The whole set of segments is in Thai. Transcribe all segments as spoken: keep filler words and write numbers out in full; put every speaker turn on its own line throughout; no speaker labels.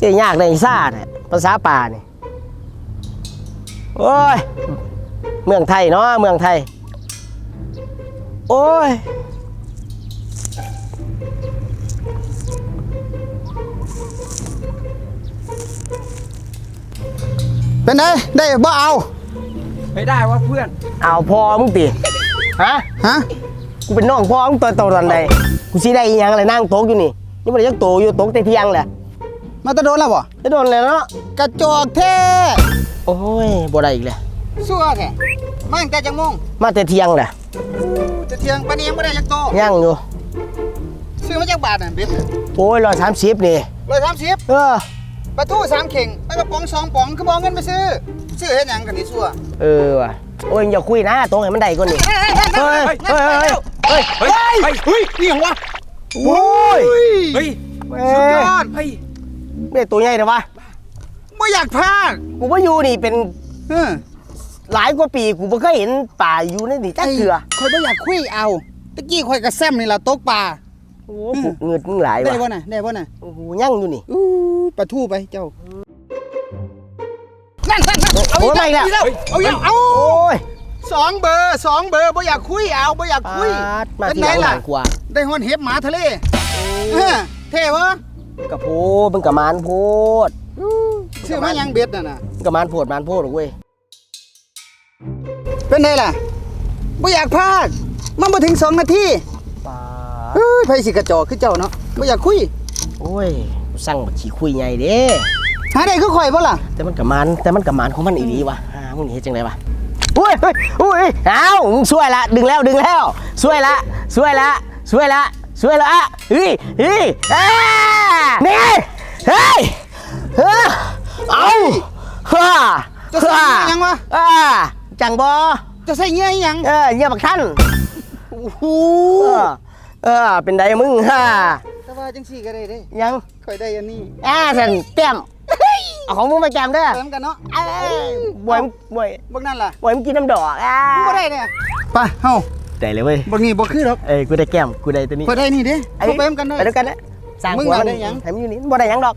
เจ๊ยากในซ่าเนี่ยภาษาป่าเนี่ยโอ้ยเมืองไทยเนาะเมืองไทยโอ้ย
เป็นไงได้บ่เอา
ไม่ได้ว่าเพื่อน
เอาพอมึงตีฮะ
ฮะ
กูเป็นน้องพ่อมึงตัวโตตอนใดกูสิได้อีหยังอะไรนั่งโต๊ะอยู่นี่นี่มันยังโตอยู่โต๊ะแต่เที่ยงแหละ
มาตะโดนแล้วบ่
จะโดนเลยเนาะ
กระจอกแท้
โอ้ยบ่ได้อีกเลย
ซัวแท้มาตั้งแต่จังโมง
มาแต่เที่ยงแหละ
จะเที่ยงปานนี้ยังบ่ได้จักโต
ยังอยู่
ซื้อมาจากบาทน่ะเบ็ด
โอ้ยร้อยสามสิบนี่
ร้อยสามสิบ
เออ
ปลาทูสามเข่งปลากระป๋องสองป๋องคือบ่เงินไปซื้อซื้อเฮ็ดหยังกันนี่ซัว
เออว่ะโอ้ยอย่าคุยนะตรงให้มันได้ก่อนนี่เฮ้ยเฮ้ยเฮ้ยเฮ้ยเฮ้ย
เฮ้ยนี่ยังวะ
โอ้ย
เฮ้ย
สุดยอด
เฮ้ย
ไม่ตัวใหญ่เลยวะ
บ่อยากพลาด
กูว่าอยู่นี่เป็น
เออ
หลายกว่าปีกูไม่เคยเห็นป่าอยู่ในนี่จักเถื่อ
ข่อยบ่อยากคุยเอาตะกี้ข่อยกระแซมนี่ล่ะตกปลา
โอ้ผูกเงินมึงหลายว่ะ
ได้บ่น่ะได้บ่น่ะ
โอ้โหยั่งอยู่นี่
อู้ปลาทูไปเจ้านั่นๆๆเอาอีกแล้วเอาอีกเอา
โอ้ย
สองเบอร์สองเบอร์บ่อยากคุยเอาบ่อยากคุย
มาที่หลังกว่า
ได้ฮอนเห็บหมาทะเลเออเท่วะ
กระโพดมึงกระมานโพด
ชื่อมายังเบ็ดน่ะน่ะ
กระมานโพดมานโพดหรอเว้ย
เป็นไงล่ะบ่อยากพลาดมันบ่ถึงสองนาที
ป้า
เฮ้ยไผสิกระจอกคือเจ้าเนาะบ่อยากคุย
โอ้ยสั่งบักขี้คุยใหญ่เด้
หาได้คือข่อยบ่ล่ะ
แต่มันกระมานแต่มันกระมานของมันอีหลีวะฮะมึงเฮ็ดจังไดวะอุ้ยอุ้ยอ้าวมึงช่วยละดึงแล้วดึงแล้วช่วยละช่วยละช่วยละช่วยละเฮ้ยเฮ้ยนี่เฮ้ยเฮ้ยเอาฮ่า
จะใส่ยังวะ
อ่าจังบอ
จะใส่เงี้ยยัง
เออเงี้ยบักท่าน
โอ้โห
เออเป็นไดมึงฮ่า
แต่ว่าจังสี่ก็ได้เด้
ยัง
ค่อยได้อันนี้
อ่าสันเต็มเอาของมึงมาแกมเด้อ
เติมกันเนาะ
บวยบวย
บักนั่นล่ะ
บวยมึงกินน้ำดอกอ่า
บ่ได้เนี่ยไปเฮา
ได้เลยเว้ย
บักนี่บ่คือหรอก
เอ้ยกูได้แก้มกูได้ตัวนี้
ค่อยได้นี่เด้ไปเติมกันได้
ไปด้วยกันนะสั่งหัวมันได้ยังให้มันอยู่นี่บ่ได้ยังดอก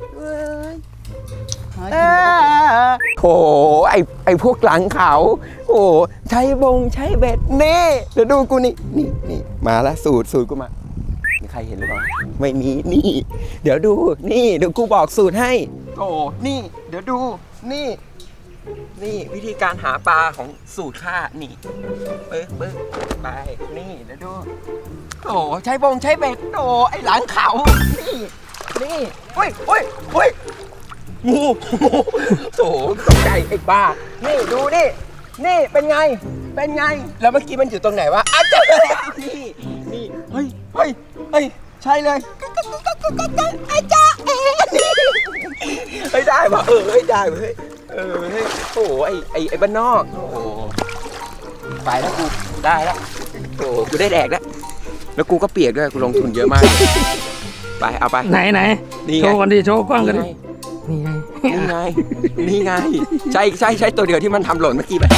โถไอไอพวกหลังเขาโอ้ใช้บงใช้เบ็ดเน่เดี๋ยวดูกูนี่นี่นี่มาแล้วสูตรสูตรกูมามีใครเห็นหรือเปล่าไม่มีนี่เดี๋ยวดูนี่เดี๋ยวกูบอกสูตรให้โอ้นี่เดี๋ยวดูนี่นี่วิธีการหาปลาของสูตรข้านี่เบิ้งเบิ้งไปนี่เดี๋ยวดูโอ้ใช้บงใช้เบ็ดโอ้ไอหลังเขานี่นี่เฮ้ยเฮ้ยเฮ้ยงูโถตกใจไอ้บ้านี่ดูนี่นี่เป็นไงเป็นไงแล้วเมื่อกี้มันอยู่ตรงไหนวะอ้าวเจอแล้วนี่นี่เฮ้ยเฮ้ยเฮ้ยใช่เลยไอ้จ้าเอ๋เฮ้ยได้ป่ะเออเฮ้ยได้เฮ้ยเออเฮ้ยโอ้ไอ้ไอ้ไอ้บ้านนอกโอ้ไปแล้วกูได้แล้วโอ้กูได้แดกแล้วแล้วกูก็เปียกด้วยกูลงทุนเยอะมากไปเอาไป
ไหนไหนโชว์กันดิโชว์กล้องกันดิ
นี่ไงนี่ไงนี่ไงใช่ใช่ใช่ตัวเดียวที่มันทำหล่นเมื่อกี้ไป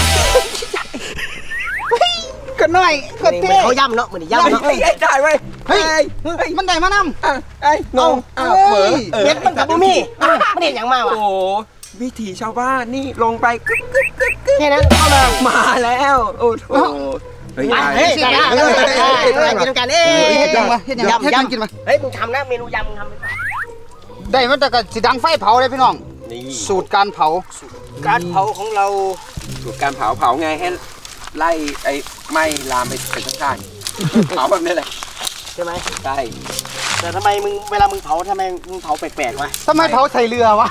ก็น้อยก็เท่
เขาย่ำเนาะเหมือนย่ำเนาะ
ได้เว้ย
เฮ้ยมันได้มานำ
ไอ้งงอ้าวเหมือ
เบ็ดมันกับบุมี่มันเห็นอย่างมาวะ
โอ้วิถีชาวบ้านนี่ลงไปกึ๊กกึ๊กกึ๊ก
แค่นั้นเข้ามา
มาแล้วโอ้โห
เฮ้ยเฮ้ยกันนะกินกันเอ้ย
เฮ็ดยังวะเฮ็ดยังเฮ็ดยังกินมา
เฮ้ยมึงทำนะเมนูยำมึงทำไปก่อน
ได้มันแต่ก็สิดังไฟเผาเลยพี่น้องสูตรการเผาการเผาของเรา
สูตรการเผาเผาไงให้ไล่ไอ้ไหม้ลามไปเป็นข้างๆเผาแบบนี้แหละ
ใช่ไหม
ใช่
แต่ทำไมมึงเวลามึงเผาทำไมมึงเผาแปลกๆวะ
ทำไมเผาใส่เรือวะ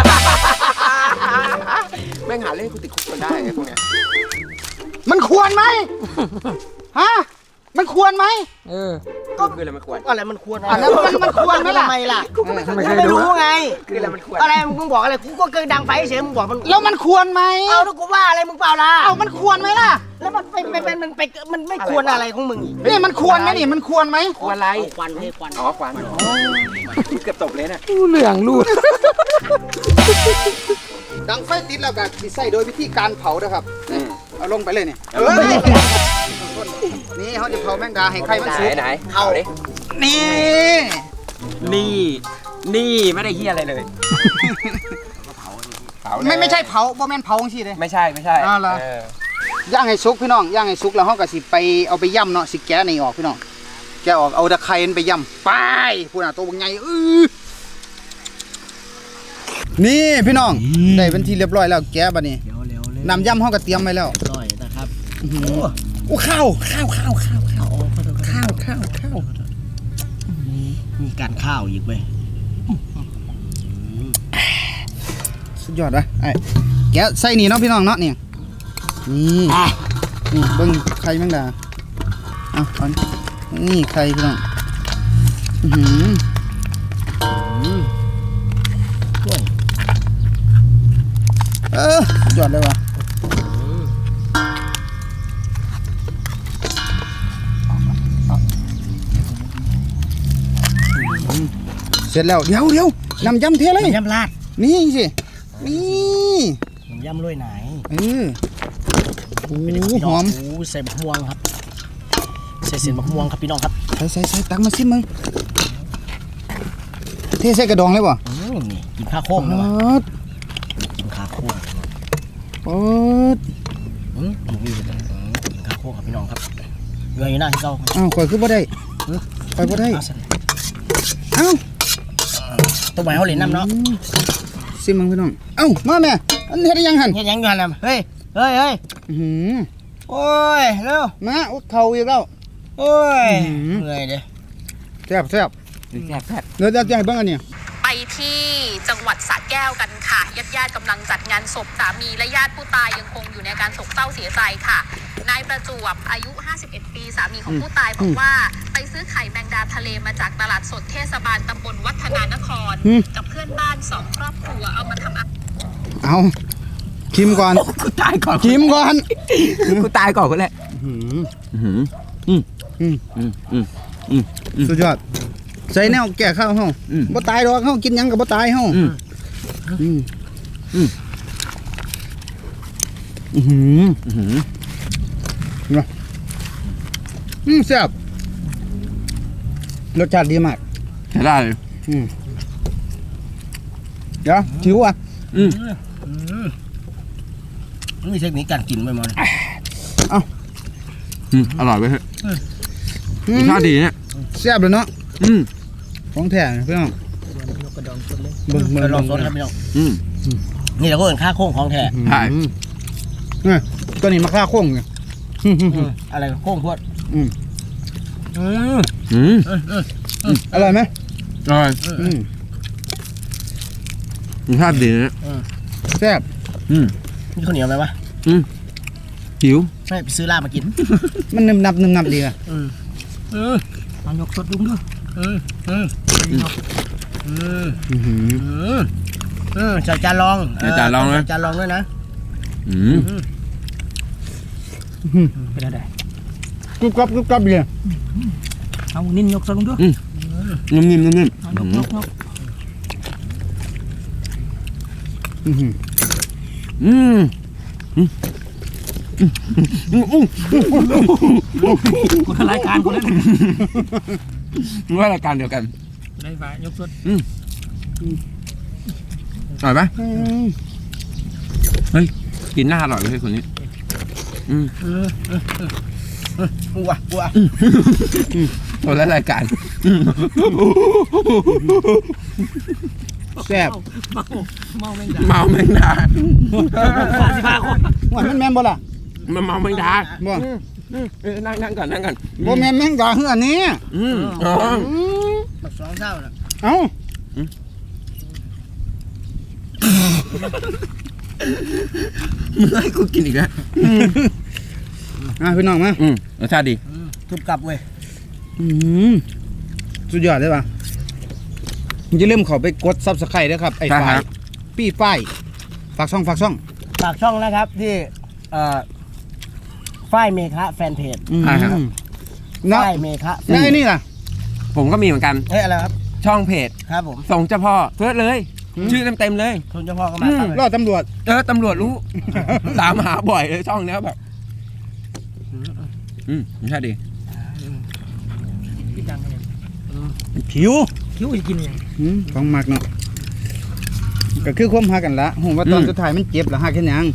แม่งหาเล่นกูติดคุกมันได้ไอ้พวกเนี้ย
มันควรไหมฮะมันควรไหม
เออก็คืออะไรมันควร
อะไรมันควร
อันนั้นมันมันควรไหมล่ะ
ทำไมล่ะ
กูไม่
ไม่รู้ไง
คืออะไรมันควร
อะไรมึงบอกอะไรกูก็เกินดังไฟเฉยมึงบอกมัน
แล้วมันควรไหม
เอาแล้วกูว่าอะไรมึงเปล่าล่ะ
เอามันควรไหมล่ะ
แล้วมันเป็นเป็นมันไปมันไม่ควรอะไรของมึงอีก
นี่มันควรไหมนี่มันควรไหม
ควรอะไร
ควันเลยควัน
อ๋อควันเกือบตกเลยน่ะ
เหลืองรูด
ดังไฟติดแล้วก็สิใส่โดยวิธีการเผานะครับเอาลงไปเลยเนี่ยนี่เขาจะเผาแมงดาให้ไข่มันสุก
ไหนเผาดิ
นี่
นี่นี่ไม่ได้เฮียอะไรเลยเผาเลย
ไม่ไม่ใช่เผาบ่แม่นเผาจังซี่เด้
ไม่ใช่ไม่ใช่
อ้าวเหรอ
เออ
ย่างให้สุกพี่น้องย่างให้สุกแล้วเฮาก็สิไปเอาไปย่ำเนาะสิแกะนี่ออกพี่น้องแกะออกเอาตะไคร้มันไปย่ำไปพูดน่ะตัวบักใหญ่อื้อนี่พี่น้องได้เป็นที่เรียบร้อยแล้วแกะบัดนี้
เดี๋ยวเร็วเลย
น้ำย่ำเฮาก็เตรียมไว้แล้ว
ร่อยนะครับ
โอ้ข้าวข้าวข้าวข้าวข้าวข้าวข้าวข้าว
มีการข้าวอีกเว้ย
สุดยอดวะไอ้แกะใส่นี่เนาะพี่น้องเนาะนี่นี่นี่เบิ่งไข่แมงดาเอาเอานี่ไข่พี่น้องอื้อหือเออสุดยอดเลยว่ะเสร็จแล้วเดี๋ยวเดี๋ยวน้ำยำเทเลย
ยำลาด
นี่สินี่
ยำลุยไหน
เออโอ้หอม
โอ้ใส่บักม่วงครับใส่เส้นบักม่วงครับพี่น้องครับ
ใส่ใส่ใส่ตักมาซิมมึงเทใส่กระดองเลยป่ะ
อืมนี่กินข้าวโค้งนะวะ
ด
กินข้าวโค้ง
ปอด
อืมหมูนี่เลยอืมกินข้าวโค้งครับพี่น้องครับเรืออยู่หน้าที่เรา
อ้าวข่อยคือบ่ได้ข่อยบ่ได้
เอาสิ
เอ้า
ตัวใหม่เขาเหรียญน้ำเนาะ
ซิมมึงพี่น้องเอ้ามาแม่อันเฮ็ดได้ยังหั่น
เฮ็ดหยังอยู่หั่นน่ะเฮ้ยเฮ้ยเฮ้ย
อื้อหือ
โอ้ยเร็ว
มาอุดเข่าอีกแล้ว
โอ้ย
อื้อหือ
เหนื่อยเด้
แซ่บแซ่บ
แซ่บแซ่บ
เดี๋ยวจะให้เบิ่งอันนี้
ไปที่จังหวัดสระแก้วกันค่ะญาติญาติๆกำลังจัดงานศพสามีและญาติผู้ตายยังคงอยู่ในอาการโศกเศร้าเสียใจค่ะนายประจวบอายุ ห้าสิบเอ็ด ปีสามีของผู้ตายบอกว่าไปซื้อไข่แมงดาทะเลมาจากตลาดสดเทศบาลตำบลวัฒนานคร กับเพื่อนบ้านสองครอบครัวเอามาทำอา
เอาชิมก่อน
กูตายก่อน
ชิมก่อน
กูตายก่อนก็แหละ
อื้อ
อืมอืม
หือ
อืมอืมอืม
สุดยอดใส่แนวแก่ข้าวเฮา
อืม
บ่ตายดอกเฮากินหยังก็บ่ตายเฮา
อืม
อืม
อืม
อื้อหือ
อืม
อืมแซ่บรสชาติดีมาก
ใช้ได้เลย
อืมเดี๋ยวชิวอ่ะ
อืม
มีเทคนิคการกินไว้มั้ง
อืมอร่อยเว้ยเฮ้ยรสชาติดีเนี่ย
แซ่บเลยเนาะ
อืม
ของแท้พี่น้องเบิ่งเบิ่ง
ไปลอง
เบิ่
สดครับพี่น้อง
อืม
นี่เราก็เห็นค่าโค้งของแท้
ใช่
อืมนี่ตัวนี้มาค่าโค้งไงอืมอืม
อืมอะไรโค้งพวด
อืม
อืม
อืม
อร่อยไหม
อร่อย
อืม
รสชาติดีนะ
แซ่บ
อืม
มีข้าวเหนียวไหมวะ
หิว
ไม่ไปซื้อลาบมากิน
มันนึมนับนึมนับดีอ่ะ
อืมอืมเอายกสดดุ้งด้วยอืมอืมอืมอืม
อื้อหือ
อืมอืมใส่จานรอง
ใส่จานรองนะ
ใส่จานรองด้วยนะ
อืม
เป็นอะไร
กรุบกรับกรุบกรับดี
เอานิ่นยกสดดุ้งด้วย
นุ่มนิ่มนุ่มนิ่ม
เอายกยกยก
อื้อหือ
อืมอืมอืมอืม
คนละรายการคนละ
ว่ารายการเดียวกัน
ได้ป่ะยกสด
อร่อยไหม
อืม
กินหน้าอร่อยเลยคนนี้ อืม
กูอ่ะกูอ่ะ
คนละรายการ
แซ่บ
เมาแมงดา
เมาแมงดา
สามสิบห้าคน
ว่ามันแม่นบ่ล่ะ
มันเมาแมงดา
บ่
เออนั่งนั่งก่อนนั่งก่อน
บ่แม่นแม่งดาคืออันนี้
อืมอ๋อ
อืม
แบบสองเท่าน่ะ
เอ้า
มึงให้กูกินอีกแล้ว
อ่ะพี่น้องมา
อืมรสชาติดี
ทุบกลับเว้ย
อืมสุดยอดเลยว่ะอย่าลืมเข้าไปกด Subscribe ด้วยครับไอ้
ใช่
ฝ่า
ค
ย
รับ
ปี้ฝ้ายฝากช่องฝากช่อง
ฝากช่องนะครับที่เอ่อฝ้ายเมฆะแฟนเพจ
อืม
ใช่ครับ
เนาะ
ฝ้ายเมฆะ
แล้วไอ้นี่ล่ะ
ผมก็มีเหมือนกัน
เฮ้ยอะไรครับ
ช่องเพจ
ครับผม
ส่งเจ้าพ่อเพื่อเลย ชื่อเต็มๆเลย
คุณเจ้าพ่อก็มาครับ
รอดตำรวจ
เออตำรวจรู้ ตามหาบ่อยเลยช่องเนี้ยแบบ อืมรสชาติดี
พี่ดังเลย
ผิว
คิ้วจะกินยัง
อืมของมักเนาะก็คือความหักกันละผมว่าตอนสุดท้ายมันเจ็บแล้วหักแค่ยัง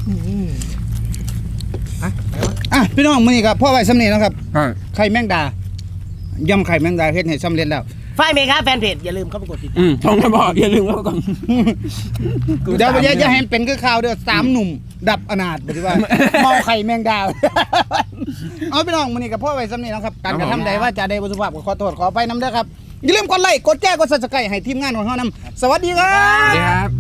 อ่ะพี่น้องมื้อนี้ครับพ่อไว้สำเร็จแล้วครับไข่แมงดายำไข่แมงดาเฮ็ดให้สำเร็จแล้ว
ฝ่ายเมฆาแฟนเพจอย่าลืมเข้าไปกดติดตาม
อืมช่องกระบอกอย่าลืมแล้วก่อน
เดี๋ยวอย่าอย่าให้เป็นคือข่าวเด้อสามหนุ่มดับอนาถบ่ที่ว่า เมาไข่แมงดา เอาพี่น้องมื้อนี้กับพ่อไว้สำเร็จแล้วครับการกระทำใดว่าจะได้บ่สุภาพก็ขอโทษขออภัยนำเด้อครับอย่าลืมกดไลค์กดแชร์กด Subscribe ให้ทีมงานของเฮานำสวัสดีครับ
สวัสดีครับ